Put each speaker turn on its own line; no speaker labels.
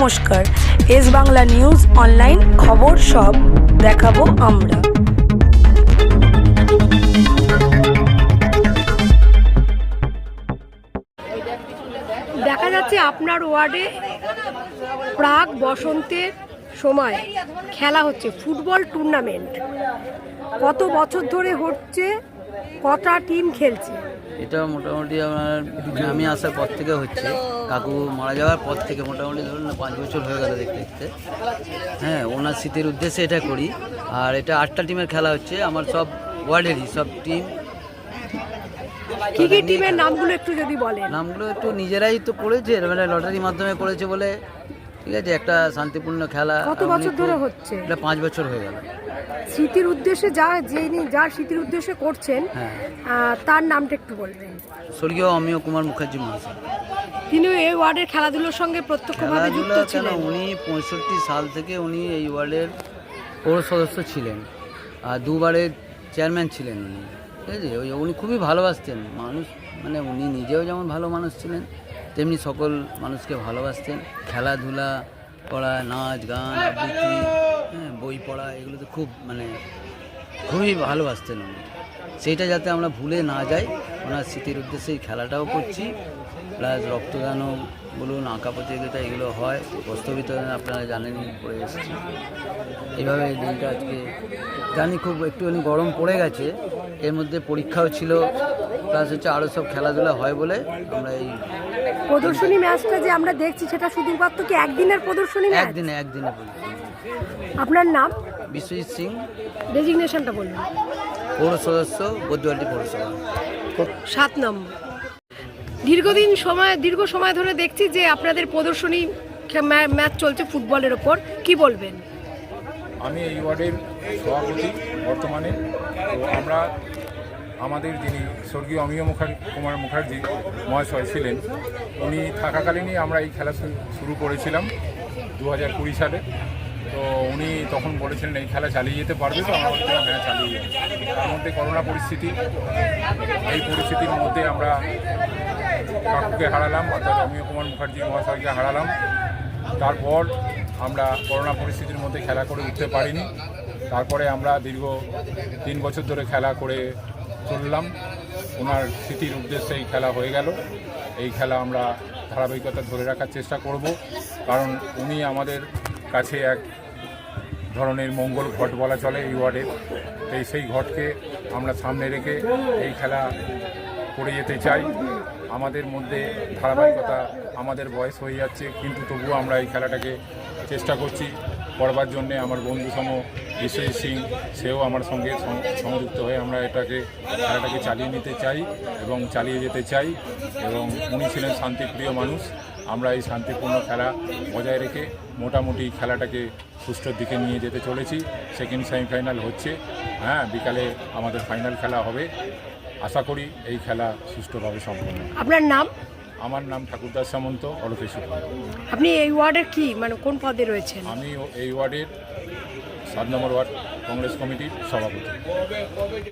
নমস্কার, S Bangla news online খবর সব দেখাবো আমরা।
দেখা যাচ্ছে আপনার ওয়ার্ডে প্রাক বসন্তের সময় খেলা হচ্ছে ফুটবল টুর্নামেন্ট। কত বছর ধরে হচ্ছে, কটা টিম খেলছে?
এটা মোটামুটি আমার আমি আসার পর থেকে হচ্ছে, কাকু মারা যাওয়ার পর থেকে মোটামুটি ধরুন না 5 বছর হয়ে গেল দেখতে দেখতে। হ্যাঁ, ওনার স্মৃতির উদ্দেশ্যে এটা করি। আর এটা 8টা টিমের খেলা হচ্ছে, আমার সব ওয়ার্ডেরই সব টিম।
কি কি টিমের নামগুলো একটু যদি বলেন।
নামগুলো একটু নিজেরাই তো করেছে, মানে লটারির মাধ্যমে করেছে বলে, ঠিক আছে। একটা শান্তিপূর্ণ খেলা।
কত বছর ধরে হচ্ছে?
এটা 5 বছর হয়ে গেল।
স্মৃতির উদ্দেশ্যে যার স্মৃতির উদ্দেশ্যে করছেন, তার নামটা একটু বলবেন।
স্বর্গীয় অমিয় কুমার মুখার্জি মহাশয়।
তিনি এই ওয়ার্ডের খেলাধুলোর সঙ্গে প্রত্যক্ষভাবে যুক্ত ছিলেন।
উনি 65 সাল থেকে উনি এই ওয়ার্ডের পৌর সদস্য ছিলেন আর 2বারের চেয়ারম্যান ছিলেন উনি, ঠিক আছে। উনি খুবই ভালোবাসতেন মানুষ, মানে উনি নিজেও যেমন ভালো মানুষ ছিলেন তেমনি সকল মানুষকে ভালোবাসতেন। খেলাধুলা করা, নাচ গান, আবৃত্তি, বই পড়া, এগুলো তো খুবই ভালোবাসতেন উনি। সেইটা যাতে আমরা ভুলে না যাই, ওনার স্মৃতির উদ্দেশ্যে এই খেলাটাও করছি। প্লাস রক্তদানও বলুন, আঁকা প্রতিযোগিতা এগুলো হয়, বস্ত্র বিতরণ আপনারা জানেনই, করে এসেছি। এইভাবে এই দিনটা আজকে জানি খুব একটুখানি গরম পড়ে গেছে, এর মধ্যে পরীক্ষাও ছিল, প্লাস হচ্ছে আরও সব খেলাধুলা হয় বলে আমরা এই
প্রদর্শনী ম্যাচটা যে আমরা দেখছি, সেটা শুধুমাত্র কি একদিনের প্রদর্শনী?
একদিনে প্রদর্শনী।
আপনার নাম?
বিশ্বজিৎ সিং।
ডেজিগনেশনটা বলুন।
পৌর সদস্য, বৈদ্যবাটি পৌরসভা,
7 নম্বর। দীর্ঘ সময় ধরে দেখছি যে আপনাদের প্রদর্শনী ম্যাচ চলছে ফুটবলের ওপর, কি বলবেন?
আমি এই ওয়ার্ডের সভাপতি বর্তমানে। তো আমরা আমাদের যিনি স্বর্গীয় অমিয় কুমার মুখার্জি মহাশয় ছিলেন, উনি থাকাকালীনই আমরা এই খেলা শুরু করেছিলাম 2020 সালে। তো উনি তখন বলেছিলেন এই খেলা চালিয়ে যেতে পারবে, তো আমরা বলছিলাম হ্যাঁ চালিয়ে যেতে। তার মধ্যে করোনা পরিস্থিতি, এই পরিস্থিতির মধ্যে আমরা কাকুকে হারালাম, অর্থাৎ অমিয় কুমার মুখার্জি মহাশয়কে হারালাম। তারপর আমরা করোনা পরিস্থিতির মধ্যে খেলা করে উঠতে পারিনি। তারপরে আমরা দীর্ঘ 3 বছর ধরে খেলা করে চললাম। ওনার স্মৃতির উদ্দেশ্যে এই খেলা হয়ে গেল। এই খেলা আমরা ধারাবাহিকতা ধরে রাখার চেষ্টা করব, কারণ উনি আমাদের কাছে এক ধরনের মঙ্গল ঘট বলা চলে এই ওয়ার্ডের। সেই ঘটকে আমরা সামনে রেখে এই খেলা করে যেতে চাই। আমাদের মধ্যে ধারাবাহিকতা, আমাদের বয়স হয়ে যাচ্ছে, কিন্তু তবুও আমরা এই খেলাটাকে চেষ্টা করছি করবার জন্যে। আমার বন্ধুসম বিশ্বজিৎ সিং, সেও আমার সঙ্গে সংযুক্ত হয়ে আমরা খেলাটাকে চালিয়ে নিতে চাই এবং চালিয়ে যেতে চাই। এবং উনি ছিলেন শান্তিপ্রিয় মানুষ। আমরা এই শান্তিপূর্ণ খেলা বজায় রেখে মোটামুটি খেলাটাকে সুষ্ঠুর দিকে নিয়ে যেতে চলেছি। সেকেন্ড সেমিফাইনাল হচ্ছে, বিকালে আমাদের ফাইনাল খেলা হবে। আশা করি এই খেলা সুষ্ঠুভাবে সম্পন্ন।
আপনার নাম?
আমার নাম ঠাকুরদাস সামন্ত, অলকেশ।
আপনি এই ওয়ার্ডের কোন পদে রয়েছেন?
আমি এই ওয়ার্ডের 7 নম্বর ওয়ার্ড কংগ্রেস কমিটির সভাপতি।